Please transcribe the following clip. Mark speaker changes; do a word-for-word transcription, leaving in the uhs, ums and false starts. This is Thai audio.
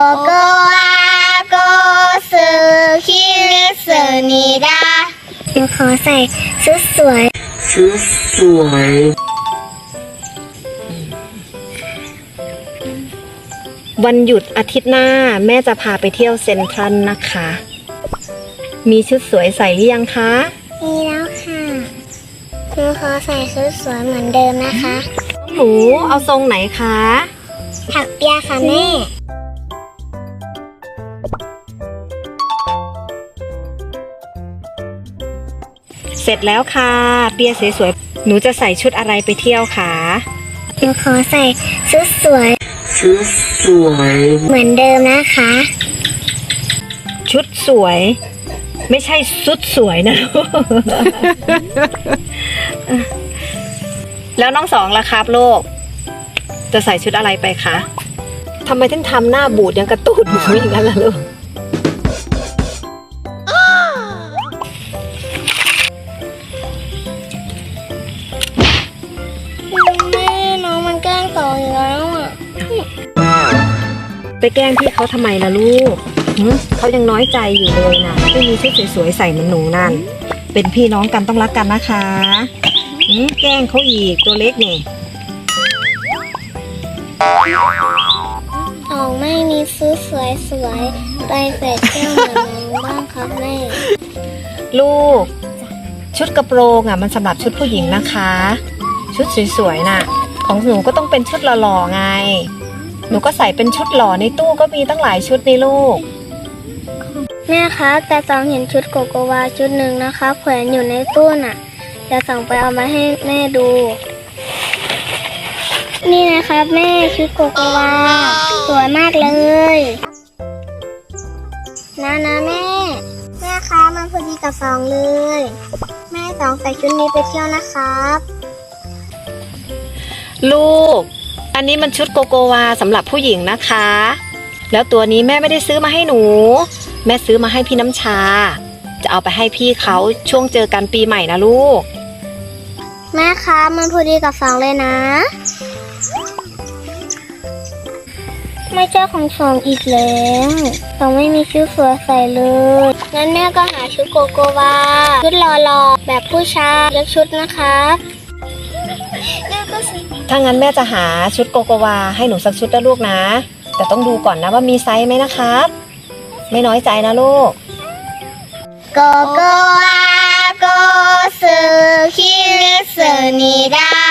Speaker 1: 고고하고 스키스니다 หนูขอใส่ชุดสวย
Speaker 2: ชุดสวยวันหยุดอาทิตย์หน้าแม่จะพาไปเที่ยวเซ็นทรัลนะคะ มีชุดสวยใส่หรือยังคะ
Speaker 1: มีแล้วค่ะหนูขอใส่ชุดสวยเหมือนเดิมนะคะ
Speaker 2: หนูเอาทรงไหนคะ
Speaker 1: ถักเปียค่ะแม่
Speaker 2: เสร็จแล้วค่ะเปียสวยๆหนูจะใส่ชุดอะไรไปเที่ยวคะ
Speaker 1: หนูขอใส่ชุดสวย
Speaker 2: ชุดสวย
Speaker 1: เหมือนเดิมนะคะ
Speaker 2: ชุดสวยไม่ใช่ชุดสวยนะ แล้วน้องสองล่ะครับลูกจะใส่ชุดอะไรไปคะทำไมถึงทำหน้าบูดยังกระตูดหมูอย่างนั้นล่ะลูก
Speaker 1: แม่น้องมันแกล้งต่ออยู่แล้วอ่ะ
Speaker 2: ไปแกล้งพี่เขาทำไมล่ะลูกเขายังน้อยใจอยู่เลยนะไม่มีชุดสวยๆใส่เหมือนหนูนั่นเป็นพี่น้องกันต้องรักกันนะคะแกล้งเขาอีกตัวเล็กนี่
Speaker 1: ออกไม่มีชุดสวยๆไปใส่เที่ยวเหมือนน้องบ้างครับแม่
Speaker 2: ลูกชุดกระโปรงอ่ะมันสำหรับชุดผู้หญิงนะคะชุดสวยๆน่ะของหนูก็ต้องเป็นชุดหล่อๆไงหนูก็ใส่เป็นชุดหล่อในตู้ก็มีตั้งหลายชุดในลูก
Speaker 1: แม่คะแต่สองเห็นชุดโกโกวาชุดหนึ่งนะคะแขวนอยู่ในตู้น่ะจะสั่งไปเอามาให้แม่ดูนี่นะครับแม่ชุดโกโกวาสวยมากเลยนะนะแม่แม่คะมันพอดีกับสองเลยแม่สองใส่ชุดนี้ไปเที่ยวนะครับ
Speaker 2: ลูกอันนี้มันชุดโกโกวาสำหรับผู้หญิงนะคะแล้วตัวนี้แม่ไม่ได้ซื้อมาให้หนูแม่ซื้อมาให้พี่น้ำชาจะเอาไปให้พี่เขาช่วงเจอกันปีใหม่นะลูก
Speaker 1: แม่คะมันพอดีกับสองเลยนะไม่เจอของสองอีกแล้วสองไม่มีชุดสวยใส่เลยงั้นแม่ก็หาชุดโกโกวาชุดหล่อๆแบบผู้ชายเลือกชุดนะคะ
Speaker 2: ถ้างั้นแม่จะหาชุดโกโกวาให้หนูสักชุดนะลูกนะแต่ต้องดูก่อนนะว่ามีไซส์ไหมนะครับไม่น้อยใจนะลูก
Speaker 1: โกโกวาโกสึคิสึนิดา